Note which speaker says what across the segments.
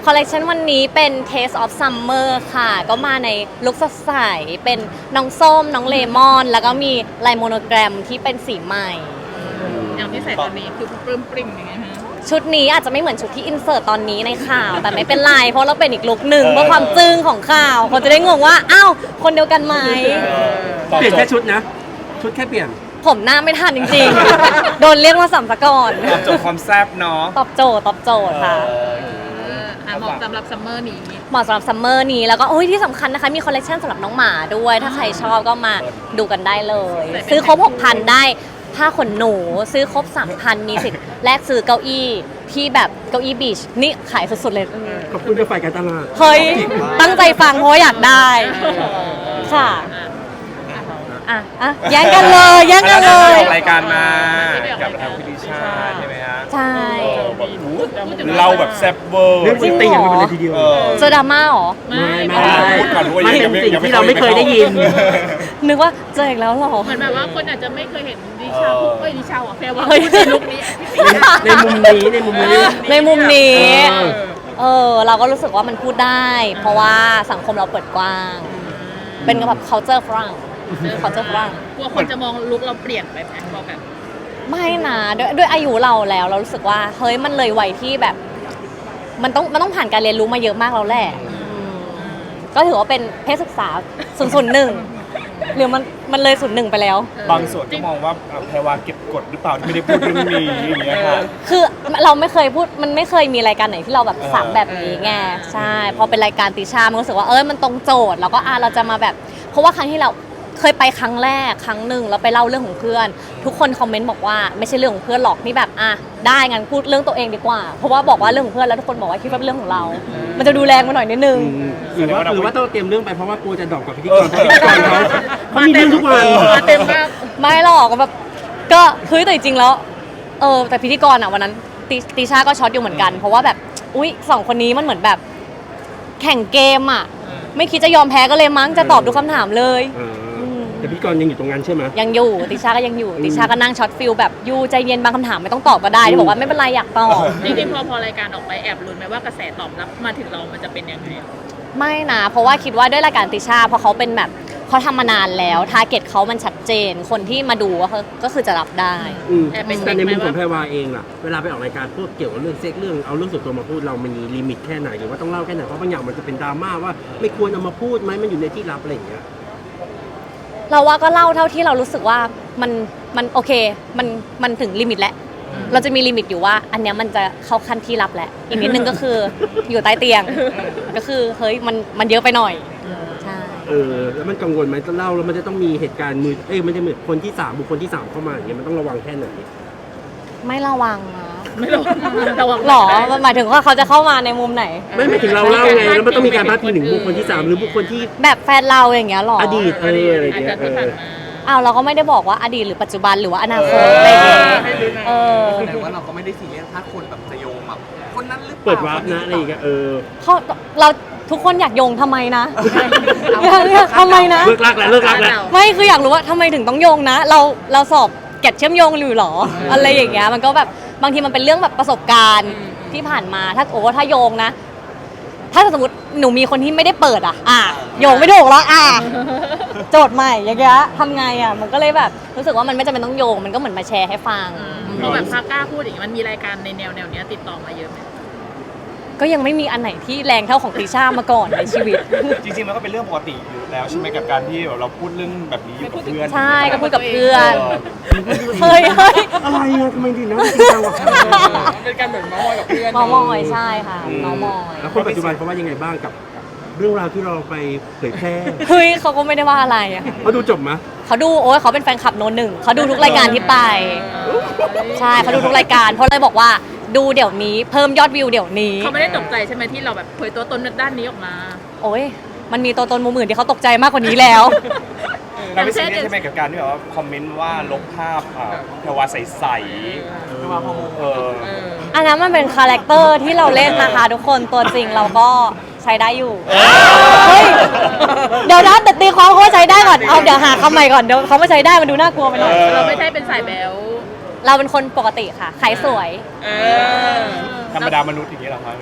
Speaker 1: คอลเลคชันวันนี้เป็น Taste of Summer ค่ะก็มาในลุคสดใสเป็นน้องส้มน้องเลมอนแล้วก็มีลายโมโนแกรมที่เป็นสีใหม่
Speaker 2: อย่างที่ใส่ตอนนี้คือปลื้มปริ่มยังไงฮะ
Speaker 1: ชุดนี้อาจจะไม่เหมือนชุดที่อินเสิร์ตตอนนี้ในข่าว แต่ไม่เป็นไรเพราะเราเป็นอีกลุคหนึ่งเพื่อความจึ้งของข่าวคนจะได้งงว่าอ้าวคนเดียวกันไหม
Speaker 3: เปลี่ยนแค่ชุดนะ ชุดแค่เปลี่ยน
Speaker 1: ผมหน้าไม่ทันจริงๆ โดนเรียกว่าสัมภากร
Speaker 4: ตอบโจทย์ความแซ่บเนาะ
Speaker 1: ตอบโจทย์ค่ะ
Speaker 2: เหมาะสำหรับซัมเมอร์นี้
Speaker 1: เหมาะสำหรับซัมเมอร์นี้แล้วก็โอ้ยที่สำคัญนะคะมีคอลเลคชันสำหรับน้องหมาด้วย ถ้าใครชอบก็มาดูกันได้เลย ซื้อครบ 6,000 ได้ผ้าขนหนู ซื้อครบ 3,000 มีสิทธิ์แลกซื้อเก้าอี้ที่แบบเก้าอี้บีชนี่ขายสุดๆเลย
Speaker 3: ขอบคุณกับฝ่ายการตลาด
Speaker 1: เฮ้ยตั้งใจฟังเพราะว่าอยากได้ค่ะแย่งกันเลยแย่งกันเลย
Speaker 4: ออกรายการมากับทางพิธิชาใช่ไหมฮะ
Speaker 1: ใช่
Speaker 4: แบบเราแบบแซ่บเวอร์
Speaker 3: เรื่องจริงตีกันไปเลยทีเดียว
Speaker 1: เจอดราม่าเหรอ
Speaker 3: ไม่
Speaker 4: พูดก่อนว่า
Speaker 3: ไม่
Speaker 4: ยัง
Speaker 3: เป็นสิ่ง
Speaker 4: ยังไม่
Speaker 3: ที่เราไม่เคยได้ยิน
Speaker 1: นึกว่าเจออีกแล้วเหรอ
Speaker 2: เหมือนแบบว่าคนอาจจะไม่เคยเห็นดิชาพูดดิชาแปลว่า
Speaker 1: เฮ้ย
Speaker 2: พูดในลุคนี้
Speaker 3: ในมุมนี้ในมุมนี้
Speaker 1: ในมุมนี้
Speaker 3: เออ
Speaker 1: เราก็รู้สึกว่ามันพูดได้ เพราะว่าสังคมเราเปิดกว้าง เป็นแบบ culture ฝรั่ง culture ฝรั่ง
Speaker 2: กลัวคนจะมองลุคเราเปลี่ยนไปไหมพอแบบ
Speaker 1: ไม่นะด้วยอายุเราแล้วเรารู้สึกว่าเฮ้ยมันเลยวัยที่แบบ มันต้องผ่านการเรียนรู้มาเยอะมากแล้วแหละก็ถือว่าเป็นเพศศึกษา001หรือมันเลย01ไปแล้ว
Speaker 4: บางส่วนก็มองว่าแพรวาเก็บกดหรือเปล่าที่ไม่ได้พูดเรื่องนี้อย่างเงี้ยค่ะ
Speaker 1: คือเราไม่เคยพูดมันไม่เคยมีรายการไหนที่เราแบบสับแบบนี้ไงใช่พอเป็นรายการติชามันรู้สึกว่ามันตรงโจทย์แล้วก็เราจะมาแบบ เพราะว่าครั้งที่เราเคยไปครั้งแรกครั้งหนึ่งแล้วไปเล่าเรื่องของเพื่อน ทุกคนคอมเมนต์บอกว่าไม่ใช่เรื่องของเพื่อนหรอกนี่แบบได้งั้นพูดเรื่องตัวเองดีกว่า เพราะว่าบอกว่าเรื่องของเพื่อนแล้วทุกคนบอกว่าคิดว่าเป็นเรื่องของเรา มันจะดูแรงมาหน่อยนิดนึง
Speaker 3: หรือว่าต้องเตรียมเรื่องไปเพราะว่ากลัวจะดรอปกับพิธีกรเขามีเรื่องทุกวัน
Speaker 2: มาเต็มมาก
Speaker 1: ไม่หรอกแบบก็คือแต่จริงๆแล้วแต่พิธีกรวันนั้นติชาก็ช็อตอยู่เหมือนกัน เพราะว่าแบบอุ๊ย2 คนนี้มันเหมือนแบบแข่งเกมไม่คิดจะยอมแพ้ก็เลยมั้งจะตอบทุกคำถามเลย
Speaker 3: แต่พิธีกรยังอยู่ตรงนั้นใช่ไหม
Speaker 1: ยังอยู่ติชาก็ยังอยู่ติชาก็นั่งช็อตฟิลแบบยูใจเย็นบางคำถามไม่ต้องตอบก็ได้ที่บอกว่าไม่เป็นไรอยากตอบ
Speaker 2: จริงๆพอรายการออกไปแอบลุ้นไหมว่ากระแสตอบรับมาถึงเรามันจะเป็นยังไง
Speaker 1: ไม่นะเพราะว่าคิดว่าด้วยรายการติชาเพราะเขาเป็นแบบเขาทำมานานแล้วทาร์เก็ตเขามันชัดเจนคนที่มาดูก็คือจะรับได้
Speaker 3: แต่ในมุมของแพรวาเองล่ะเวลาไปออกรายการพวกเกี่ยวกับเรื่องเซ็กเรื่องเอาเรื่องส่วนตัวมาพูดเรามันมีลิมิตแค่ไหนหรือว่าต้องเล่าแค่ไหนเพราะบางอย่างมันจะเป็นดราม่าว่าไม่ควรเอามาพูดไหมมันอยู่ในที่ลับอะไรอย่างเงี้ย
Speaker 1: เราว่าก็เล่าเท่าที่เรารู้สึกว่ามันโอเคมันถึงลิมิตแล้วเราจะมีลิมิตอยู่ว่าอันเนี้ยมันจะเข้าขั้นที่ลับแล้วอีกนิดนึงก็คืออยู่ใต้เตียงก็คือเฮ้ยมันเยอะไปหน่อยใช่
Speaker 3: แล้วมันกังวลไหมจะเล่าแล้วมันจะต้องมีเหตุการณ์มันจะเหมือนคนที่3บุคคลที่3เข้ามาอย่างเงี้ยมันต้องระวังแค่ไหน
Speaker 1: ไม่ระวังนะ
Speaker 2: ไม่ระวัง
Speaker 1: หรอหมายถึงว่าเขาจะเข้ามาในมุมไหน
Speaker 3: ไม่ถึงเราเล่าไงแล้วมันต้องมีการพาดพิงถึงบุคคลที่3หรือบุคคลที่
Speaker 1: แบบแฟนเราอย่างเงี้ยหรอ
Speaker 3: อดีตอะไรอย่าง
Speaker 2: อาจ
Speaker 3: เงี้
Speaker 2: จะ
Speaker 3: ย
Speaker 2: ที่ผ่านมา
Speaker 1: เราก็ไม่ได้บอกว่าอดีตหรือปัจจุบันหรือว่าอนาคตอะไรอย่างเงี้ย
Speaker 5: แสดงว่าเราก็ไม่ได้ซีเรียสถ้าคนแบบจะโยงแบบคนนั้นหรือเปล่า
Speaker 3: เปิดวาร์ปนะอะไรอย่างเงี้ย
Speaker 1: เราทุกคนอยากโยงทำไมนะทำไมนะ
Speaker 3: เลิกรักแล้ว
Speaker 1: ไม่คืออยากรู้ว่าทำไมถึงต้องโยงนะ เราสอบเก็ตเชื่อมโยงหรือหรออะไรอย่างเงี้ยมันก็แบบบางทีมันเป็นเรื่องแบบประสบการณ์ที่ผ่านมาถ้าโยงนะ ถ้าสมมติหนูมีคนที่ไม่ได้เปิดโยงไม่ถูกแล้วโจทย์ใหม่อย่างเงี้ยทำไงมันก็เลยแบบรู้สึกว่ามันไม่จำเป็นต้องโยงมันก็เหมือนมาแชร์ให้ฟัง
Speaker 2: พอแบบพากล้าพูดอย่างนี้มันมีรายการในแนวเนี้ยติดต่อมาเยอะไหม
Speaker 1: ก็ยังไม่มีอันไหนที่แรงเท่าของติช่ามาก่อนในชีวิต
Speaker 4: จริงๆมันก็เป็นเรื่องปกติอยู่แล้วใช่ไหมกับการที่เราพูดเรื่องแบบนี้อยู่กับเพื่อน
Speaker 1: ใช่ก็พูดกับเพื่อน
Speaker 4: เออ
Speaker 1: เฮ้ย
Speaker 3: อะไรอะทำไมถึงนะจริงจังวะ
Speaker 5: เป็นการเหมือนเมาส์มอยกับเพื่อน
Speaker 1: เมามอยใช่ค่ะเมามอย
Speaker 3: แล้วคนปัจจุบันเขาว่ายังไงบ้างกับเรื่องราวที่เราไปเผยแพร่
Speaker 1: เฮ้ยเขาก็ไม่ได้ว่าอะไรอะ
Speaker 3: เขาดูจบมะ
Speaker 1: เขาดูเขาเป็นแฟนคลับโนหนึ่งเขาดูทุกรายการที่ไปใช่เขาดูทุกรายการเพราะเลยบอกว่าดูเดี๋ยวนี้เพิ่มยอดวิวเดี๋ยวนี้
Speaker 2: เขาไม่ได้ตกใจใช่ไหมที่เราแบบเผยตัวตนด้านนี้ออกมา
Speaker 1: โอ้ยมันมีตัวตนมุมอื่นที่เขาตกใจมากกว่านี้แล้ว
Speaker 4: เราไม่ซีเรียสใช่ไหมกับการที่แบบว่าคอมเมนต์ว่าลบภาพแพรวาใสๆ
Speaker 1: อันนั้นมันเป็นคาแรคเตอร์ที่เราเล่นนะคะทุกคนตัวจริงเราก็ใช้ได้อยู่เฮ้ยเดี๋ยวนะแต่ตีความเขาว่าใช้ได้ก่อนเดี๋ยวหาคำใหม่ก่อนเดี๋ยวเขาไม่ใช้ได้มันดูน่ากลัวไปหน่อย
Speaker 2: เราไม่ใช่เป็นสายแบ๊ว
Speaker 1: เราเป็นคนปกติค่ะขายสวย
Speaker 4: ธรรมดามนุษย์อย่างนี้เหรอครับ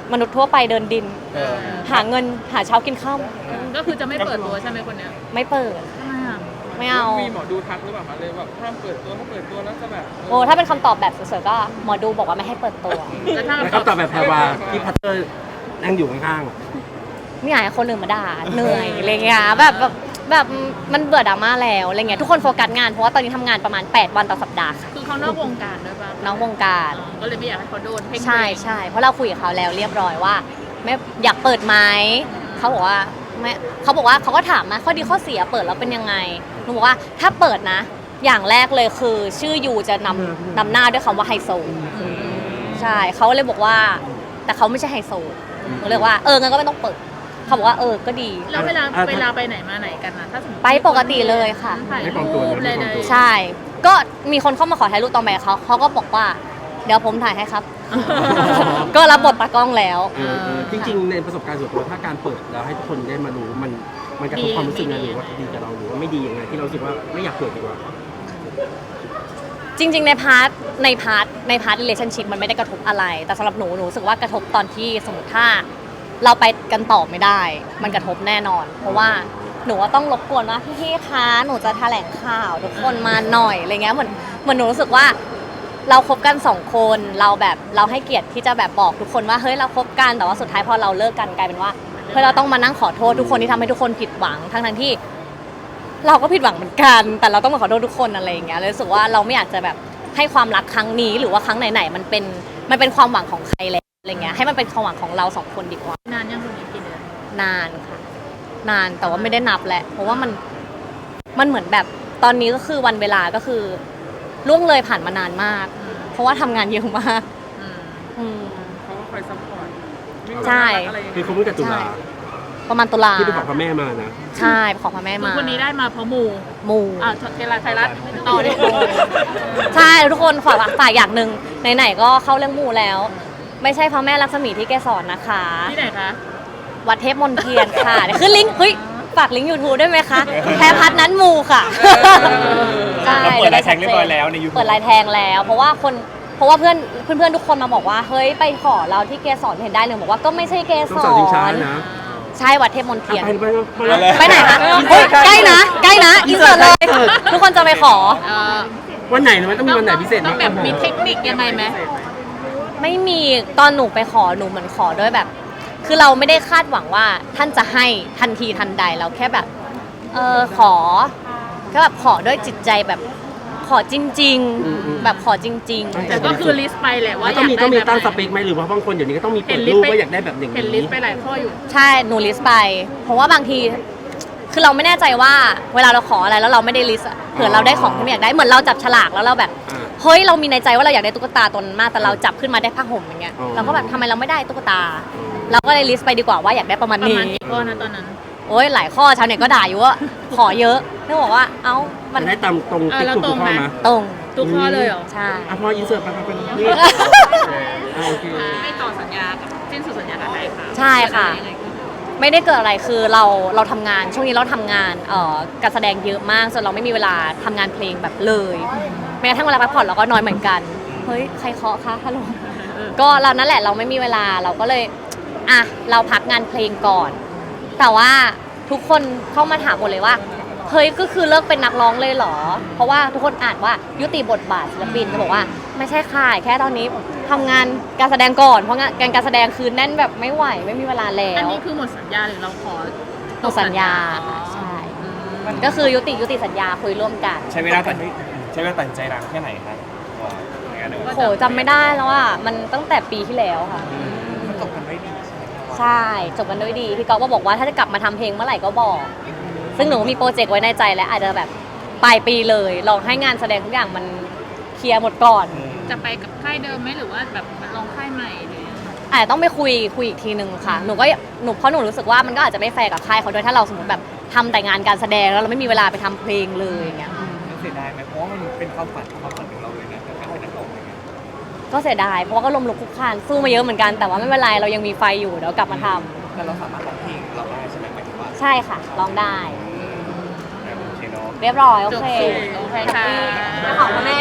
Speaker 1: มนุษย์ทั่วไปเดินดิน
Speaker 4: เออ
Speaker 1: หาเงินหาเช้ากินข้าว
Speaker 2: ก็คือจะไม่เปิดตัวใช่ไหมคนเนี้ย
Speaker 1: ไม่เปิด
Speaker 2: ทำไมอ่ะ
Speaker 1: ไม่เอา
Speaker 5: มีหมอดูทักหรือเปล่าคะเลยแบบห้ามเปิดตัวถ้าเปิดตัวแล้วจะแบบ
Speaker 1: โอ้ถ้าเป็นคำตอบแบบสวยๆก็หมอดูบอกว่าไม่ให้เปิดตัว
Speaker 2: แล้วถ้า
Speaker 3: แล้วก็ตอบแบบแพรวาที่พัตเตอร์นั่งอยู่ข้าง
Speaker 1: ไม่อยากให้คนอื่นมาด่าเหนื่อยอะไรเงี้ยแบบมันเบื่อดราม่าแล้วอะไรเงี้ยทุกคนโฟกัสงานเพราะว่าตอนนี้ทำงานประมาณ 8 วันต่อสัปดาห์ค่ะ
Speaker 2: คือเขานอกวงการด้วยป่ะ
Speaker 1: น้องวงการ
Speaker 2: ก็เลยไม่อยากให้เขาโดนเพ่ง
Speaker 1: ใช่ใช่เพราะเราคุยกับเขาแล้วเรียบร้อยว่าไม่อยากเปิดไหมเขาบอกว่าไม่เขาบอกว่าเขาก็ถามมาข้อดีข้อเสียเปิดแล้วเป็นยังไงหนูบอกว่าถ้าเปิดนะ อย่างแรกเลยคือชื่อยูจะนำหน้าด้วยคำว่าไฮโซใช่เขาเลยบอกว่าแต่เขาไม่ใช่ไฮโซหนูเลยว่างั้นก็ไม่ต้องเปิดเขาบอกว่าก็ดี
Speaker 2: แล้วเวลาไปไหนมาไหนกันนะถ้าสมมติ
Speaker 1: ไปปกติเลยค่ะ
Speaker 2: ถ่ายรูปอะไรเลย
Speaker 1: ใช่ ก็มีคนเข้ามาขอถ่ายรูปตอนไปเขาก็บอกว่า เดี๋ยวผมถ่ายให้ครับ ก็รับบทตากล้องแล้ว
Speaker 3: ๆจริงๆ ในประสบการณ์ส่วนตัวถ้าการเปิดแล้วให้ทุกคนได้มารู้มันกระทบความรู้สึกนะหรือว่าดีกับเราหรือว่าไม่ดียังไงที่เรารู้สึกว่าไม่อยากเปิดดีกว่า
Speaker 1: จริงๆในพาร์ท relationship มันไม่ได้กระทบอะไร แต่สำหรับหนูรู้สึกว่ากระทบตอนที่สมมติถ้าเราไปกันต่อไม่ได้ มันกระทบแน่นอน เพราะว่าหนูว่าต้องรบกวนว่าพี่ๆคะหนูจะแถลงข่าวทุกคนมาหน่อยอะไรเงี้ยเหมือนหนูรู้สึกว่า เราคบกัน2 คนเราให้เกียรติที่จะแบบบอกทุกคนว่าเฮ้ยเราคบกันแต่ว่าสุดท้ายพอเราเลิกกันกลายเป็นว่าเฮ้ยเราต้องมานั่งขอโทษทุกคนที่ทำให้ทุกคนผิดหวังทั้งที่ เราก็ผิดหวังเหมือนกัน แต่เราต้องมาขอโทษทุกคนอะไรอย่างเงี้ยเลยรู้สึกว่าเราไม่อยากจะแบบให้ความรักครั้งนี้หรือว่าครั้งไหนๆมันเป็นความหวังของใครแล้วอะไรเงี้ยให้มันเป็นความหวังของเรา2 คนดีกว่าน
Speaker 2: านยังคนนี้กี่เดือน
Speaker 1: นานค่ะนานแต่ว่าไม่ได้นับแหละเพราะว่ามันเหมือนแบบตอนนี้ก็คือวันเวลาก็คือล่วงเลยผ่านมานานมาก เพราะว่าทำงานเยอะมาก
Speaker 2: อืม
Speaker 1: อืม
Speaker 5: เขาก็คอยซัพพอร์ต
Speaker 1: ใช่
Speaker 5: อะไรอย่าง
Speaker 3: คือ
Speaker 5: เงี้ย
Speaker 3: เขาเพิ่งจะตุลา
Speaker 1: ประมาณตุลา
Speaker 3: ที่ไปขอพระแม่มานะ
Speaker 1: ใช่ขอพระแม่
Speaker 2: คือ
Speaker 1: มา
Speaker 2: คนนี้ได้มาเพราะหมู
Speaker 1: หมู
Speaker 2: เทลาไทยรัฐต่อดิ
Speaker 1: ใช่ทุกคนฝากอย่างหนึ่งไหนๆก็เข้าเรื่องหมูแล้ว ไม่ใช่พระแม่ลักษมีที่แกสอนนะคะ
Speaker 2: ที่ไหนคะ
Speaker 1: วัดเทพมนเทียนค่ะเดี๋ยวขึ้นลิงก์ฝากลิงก์ YouTube ได้ไหมคะแพรพัดนั้นหมูค่ะใช่
Speaker 4: เราเปิดลายแทงเรียบร้อยแล้วใน YouTube
Speaker 1: เปิดลายแทงแล้ว เพราะว่าเพื่อนทุกคนมาบอกว่าเฮ้ยไปขอเราที่เกสรเห็นได้เลยบอกว่าก็ไม่ใช่เกส
Speaker 3: ต้องสอนชิงช้าร นะ
Speaker 1: ใช่วัดเทพมนเทียน
Speaker 3: ไป
Speaker 1: ไปไหนคะเฮ้ยใกล้นะอินเสิร์ตเลย ทุกคนจะไปขอ
Speaker 3: วันไหนนะมันต้องมีวันไหนพิเศษ
Speaker 2: ต้องแบบมีเทคนิคยังไงไหม
Speaker 1: ไม่มีตอนหนูไปขอหนูเหมือนขอด้วยแบบ คือเราไม่ได้คาดหวังว่าท่านจะให้ทันทีทันใดเราแค่แบบขอก็แบบขอด้วยจิตใจแบบขอจริง ๆ แบบขอจริง
Speaker 2: แต่ก็คือลิสต์ไปแหละว่า
Speaker 3: แล้ว
Speaker 2: อ
Speaker 3: ต้อง
Speaker 2: ยาก
Speaker 3: มี
Speaker 2: ได้
Speaker 3: ตั้งส
Speaker 2: แบบ
Speaker 3: เปคไหมหรือว่าบางคนเดี๋ยวนี้ก็ต้องมีเปิดรูปว่าอยากได้แบบอย่าง
Speaker 2: เห็นลิส
Speaker 3: นี้
Speaker 2: ต์ไปหลายข้ออยู่
Speaker 1: ใช่หนูลิสต์ไป เพราะว่าบางทีคือเราไม่แน่ใจว่าเวลาเราขออะไรแล้วเราไม่ได้ลิสต์อะเผื่อเราได้ของที่ไม่อยากได้เหมือนเราจับฉลากแล้วเราแบบเฮ้ยเรามีในใจว่าเราอยากได้ตุ๊กตาตัวนั้นมากแต่เราจับขึ้นมาได้ผ้าห่มอย่างเงี้ยเราก็แบบทำไมเราไม่ได้ตุ๊กตา เราก็เลยลิสต์ไปดีกว่าว่าอยากได้ประมาณ
Speaker 2: ประ
Speaker 1: นี้
Speaker 2: มาณกี่ข้อนะตอนนั้น
Speaker 1: โอ้ยหลายข้อชาวเน็ตก็ด่าอยู่ว่าขอเยอะนึกบอกว่าเอ้ามัน
Speaker 3: จะได้ตามตรงติ๊กถูกข้อมา
Speaker 1: ตรง
Speaker 2: ทุกข้อเลยเหรอ
Speaker 1: ใช่
Speaker 3: พออินเสิร์ตไปนี่โอเค
Speaker 2: ไม่ต่อสัญญากับสิ้นสุดสัญญากับใครค่ะ
Speaker 1: ใช่ค่ะ ไม่ได้เกิดอะไรคือเราทำงานช่วงนี้เราทำงานการแสดงเยอะมากจนเราไม่มีเวลาทำงานเพลงแบบเลยแม้กระทั่งเวลาพักผ่อนเราก็น้อยเหมือนกันเฮ้ยใครเคาะคะฮัลโหลก็เรานั่นแหละเราไม่มีเวลาเราก็เลยอ่ะเราพักงานเพลงก่อน แต่ว่าทุกคนเข้ามาถามหมดเลยว่าเฮ้ยก็คือเลิกเป็นนักร้องเลยเหรอเพราะว่าทุกคนอ่านว่ายุติบทบาทศิลปินจะบอกว่าไม่ใช่ค่ะแค่ตอนนี้ทำงานการแสดงก่อนเพราะงานการแสดงคือแน่นแบบไม่ไหวไม่มีเวลาแล้
Speaker 2: อัน
Speaker 1: ว
Speaker 2: นี้คือหมดสัญญาหรือเราขอ
Speaker 1: หมดสัญญาค่ะใช่ก็คือยุติสัญญาคุยร่วมกัน
Speaker 4: ใช้เวลาตัดสินใจนานแค่ไหนครับว่าอย่างนั้นเลย
Speaker 1: โหจำไม่ได้แล้วอ่ะมันตั้งแต่ปีที่แล้วค่ะ
Speaker 5: มันจบกันไม่ดีใช่ไหมครับ
Speaker 1: ใช่จบกันด้วยดีพี่ก๊อฟก็บอกว่าถ้าจะกลับมาทำเพลงเมื่อไหร่ก็บอก ซึ่งหนูมีโปรเจกต์ไว้ในใจแล้วอาจจะแบบปลายปีเลยลองให้งานแสดงทุกอย่างมันเคลียร์หมดก่อน
Speaker 2: จะไปกับค่ายเดิมไหมหรือว่าแบบลองค่ายใหม่หรือยังไง
Speaker 1: อาจจะต้องไปคุยอีกทีนึงค่ะหนูเพราะหนูรู้สึกว่ามันก็อาจจะไม่แฟร์กับค่ายเขาด้วยถ้าเราสมมติแบบทำแต่งานการแสดงแล้วเราไม่มีเวลาไปทำเพลงเลยอย่างเงี้ย
Speaker 5: มันเสียดายไหมเพราะว่ามันเป็นความฝันของเราเลยนะการเป็นนักร้องอะไรเงี้ย
Speaker 1: ก็เสียดายเพราะว่าก็ล้มลุกคลุกคลานสู้มาเยอะเหมือนกันแต่ว่าไม่เป็นไรเรายังมีไฟอยู่เดี๋ยวกลับมาทำ
Speaker 5: แต่เราสามารถร้องเพลงเราได้ใช่ไหมหมายถึงว่า
Speaker 1: ใช่ค่ะร้องได้
Speaker 4: โอเคเนาะ
Speaker 1: เรียบร้อยโอ
Speaker 2: จบ
Speaker 1: เค
Speaker 2: สูตรโอเคค่ะ
Speaker 1: ขอบคุณแม่